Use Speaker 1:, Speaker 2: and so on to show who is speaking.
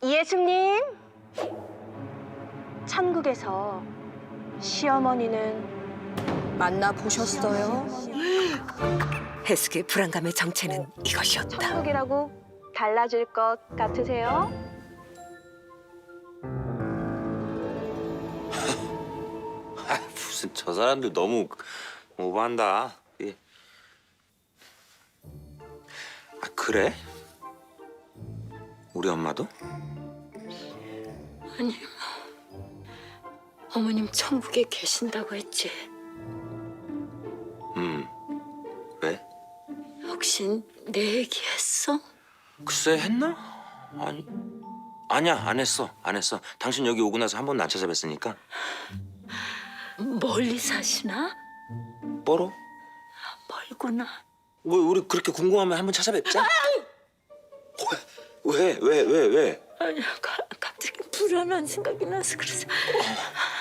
Speaker 1: 예수님, 천국에서 시어머니는
Speaker 2: 만나보셨어요?
Speaker 3: 해숙의 불안감의 정체는 이것이었다.
Speaker 1: 천국이라고 달라질 것 같으세요?
Speaker 4: 아, 무슨 저 사람들 너무 오버한다. 예. 아, 그래? 우리 엄마도?
Speaker 3: 아니, 어머님 천국에 계신다고 했지.
Speaker 4: 왜?
Speaker 3: 혹시 내 얘기했어?
Speaker 4: 글쎄 했나? 아니야 안 했어. 당신 여기 오고 나서 한 번도 안 찾아뵀으니까.
Speaker 3: 멀리 사시나?
Speaker 4: 뻘어?
Speaker 3: 멀구나.
Speaker 4: 왜 우리 그렇게 궁금하면 한 번 찾아뵙자. 왜?
Speaker 3: 아니, 갑자기 불안한 생각이 나서 그래서.